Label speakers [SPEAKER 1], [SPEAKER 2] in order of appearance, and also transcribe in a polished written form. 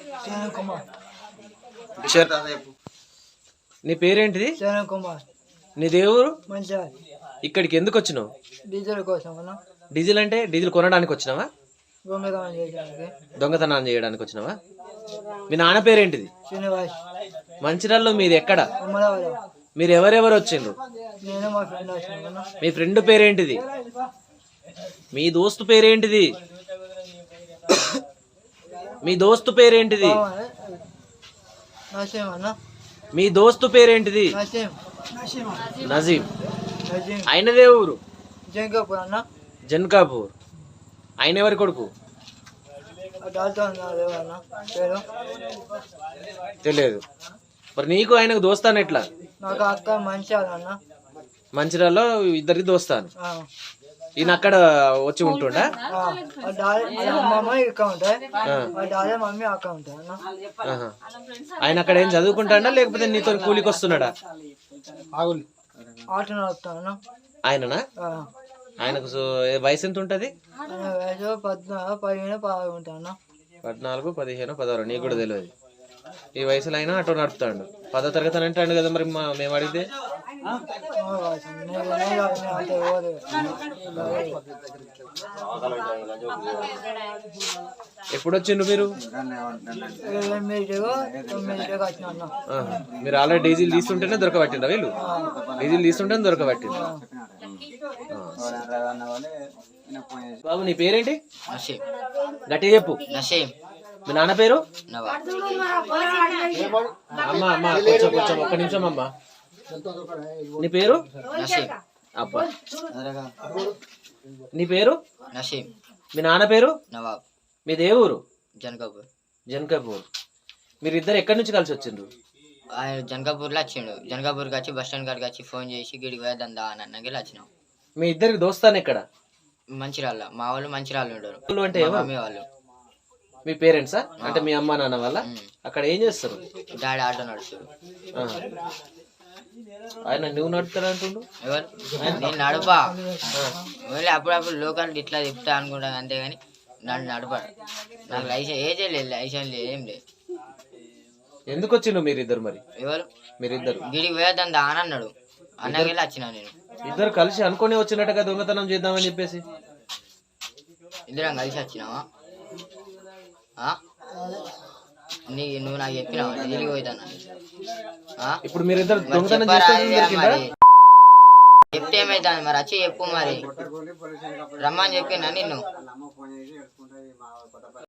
[SPEAKER 1] నీ పేరేంటిది? నీ దేవురు? ఇక్కడికి ఎందుకు వచ్చినావు?
[SPEAKER 2] డీజిల్ కోసం.
[SPEAKER 1] డీజిల్ అంటే డీజిల్ కొనడానికి వచ్చినావా? దొంగతనం చేయడానికి వచ్చినావా? మీ నాన్న పేరేంటిది? మంచిర్యాలలో మీది ఎక్కడ? మీరు ఎవరెవరు వచ్చిండ్రు? మీ ఫ్రెండ్ పేరేంటిది? మీ దోస్తు పేరేంటిది? మీ దోస్తు పేరేంటిది? మీ దోస్తు పేరేంటిది? నజీం. ఆయనదే ఊరు? జన్కాపూర్. ఆయన ఎవరి కొడుకు? తెలియదు. మరి నీకు ఆయనకు దోస్తాను ఎట్లా? మంచిర్యాలలో ఇద్దరికి దోస్తాను. ఈయన అక్కడ వచ్చి ఉంటుండా? ఆయన అక్కడ ఏం చదువుకుంటాడా లేకపోతే నీతో కూలికి వస్తున్నాడా? ఆయననా? ఆయనకు వయసు ఎంత ఉంటది? 14, 15, 16. నీకు కూడా తెలియదు. ఈ వయసులో అయినా ఆటో నడుపుతాడు. 10వ తరగతి అని అంటాడు కదా. మరి మేము అడిగితే ఎప్పుడు వచ్చిండ్రు మీరు? మీరు ఆల్రెడీ డీజిల్ తీస్తుంటేనే దొరకబట్టిండ్రా వీళ్ళు? డీజిల్ తీస్తుంటేనే దొరకబట్టిండ్రు. బాబు నీ పేరేంటి? గట్టి చెప్పు. మీ నాన్న పేరు? అమ్మా అమ్మా కొంచెం కొంచెం ఒక్క నిమిషం అమ్మా. నీ పేరు? అబ్బా. నీ పేరు? మీ నాన్న పేరు? మీ దేవురు? జన్కాపూర్. మీరిద్దరు ఎక్కడి నుంచి కలిసి వచ్చిండ్రు?
[SPEAKER 3] ఆయన జన్కాపూర్లో వచ్చిండు. జన్కాపూర్కి వచ్చి బస్ స్టాండ్ కాడికి వచ్చి ఫోన్ చేసి గిడికి వేద్దా అని అన్నకి వచ్చినాం.
[SPEAKER 1] మీ ఇద్దరికి దోస్తాను ఎక్కడ?
[SPEAKER 3] మంచిర్యాల. మా వాళ్ళు మంచిర్యాల ఉంటారు.
[SPEAKER 1] అంటే
[SPEAKER 3] మమ్మీ వాళ్ళు.
[SPEAKER 1] మీ పేరెంట్సా? అంటే మీ అమ్మ నాన్న వాళ్ళ? అక్కడ ఏం చేస్తారు?
[SPEAKER 3] డాడీ ఆటో నడుస్తారు.
[SPEAKER 1] ఆయన నువ్వు నడుపుతాడు అంటుండు?
[SPEAKER 3] ఎవరు? నేను నడుపా. ఓన్లీ అప్పుడప్పుడు లోకల్ ఇట్లా తిప్పుతా అనుకుంటాను అంతేగాని నన్ను నడపాడు. నాకు లైసెన్స్ ఏజే లేదు, లైసెన్స్ లేదు, ఏం లేదు.
[SPEAKER 1] ఎందుకు వచ్చిండు మీరిద్దరు? మరి
[SPEAKER 3] ఎవరు
[SPEAKER 1] మీరిద్దరు?
[SPEAKER 3] గిడికి వేద్దా అని అన్నాడు. అన్నకి వచ్చినా నేను.
[SPEAKER 1] ఇద్దరు కలిసి అనుకుని వచ్చినట్టుగా దొంగతనం చేద్దామని చెప్పేసి
[SPEAKER 3] ఇద్దరం కలిసి వచ్చినావా? నువ్వు నాకు చెప్పినావా ఢిల్లీకి పోతాను?
[SPEAKER 1] ఇప్పుడు మీరిద్దరు
[SPEAKER 3] చెప్తే ఏమైతుంది మరి? వచ్చి చెప్పు మరి. రమ్మని చెప్పినా నిన్ను.